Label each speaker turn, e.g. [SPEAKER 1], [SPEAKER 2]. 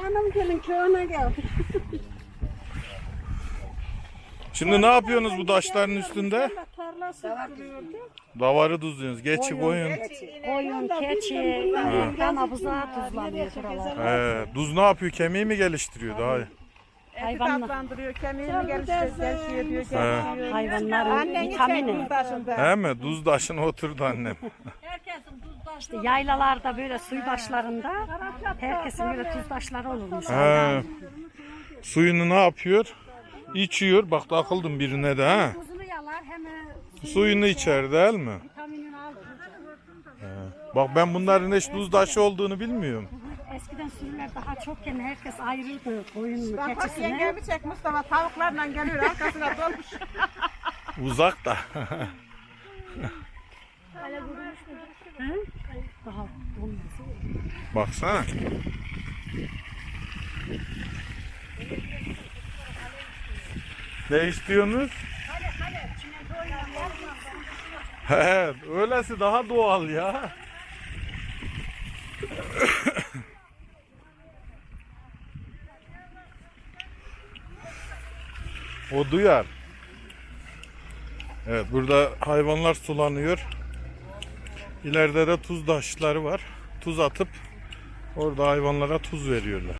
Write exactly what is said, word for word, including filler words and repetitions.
[SPEAKER 1] Hanım gelin köyüne geldik.
[SPEAKER 2] Şimdi ne yapıyorsunuz bu taşların üstünde?
[SPEAKER 1] Tarla sürdürüyordu.
[SPEAKER 2] Davarı tuzluyorsunuz. Geçi koyun.
[SPEAKER 3] Koyun, keçi, dana buzağı tuzlanıyor buralar.
[SPEAKER 2] He, tuz ne yapıyor? Kemiği mi geliştiriyor daha?
[SPEAKER 3] Hayvanlar,
[SPEAKER 4] Tatlandırıyor, kemiğini geliştiriyor, gelişiyor, geliştiriyor.
[SPEAKER 3] hayvanların
[SPEAKER 4] Annen
[SPEAKER 3] vitamini.
[SPEAKER 4] içer başında.
[SPEAKER 2] He mi? Tuz taşına oturdu annem.
[SPEAKER 3] İşte yaylalarda böyle suy başlarında herkesin böyle tuzdaşları olurmuş.
[SPEAKER 2] He. Suyunu ne yapıyor? İçiyor. Bak takıldım birine de ha.
[SPEAKER 3] Tuzunu yalar hem
[SPEAKER 2] Suyunu içer değil mi?
[SPEAKER 3] vitaminini alır.
[SPEAKER 2] Bak ben bunların hiç tuz taşı olduğunu bilmiyorum.
[SPEAKER 3] Eskiden sürüler daha çokken herkes ayırırdı koyununu,
[SPEAKER 4] Bak bak
[SPEAKER 3] keçisini.
[SPEAKER 4] yengemi çek Mustafa, tavuklarla geliyor arkasına dolmuş.
[SPEAKER 2] Uzak da.
[SPEAKER 3] Hı? Daha olmaz.
[SPEAKER 2] Baksana. Ne istiyorsunuz? He, öylesi daha doğal ya. O duyar. Evet, burada hayvanlar sulanıyor. İleride de tuz taşları var. Tuz atıp orada hayvanlara tuz veriyorlar.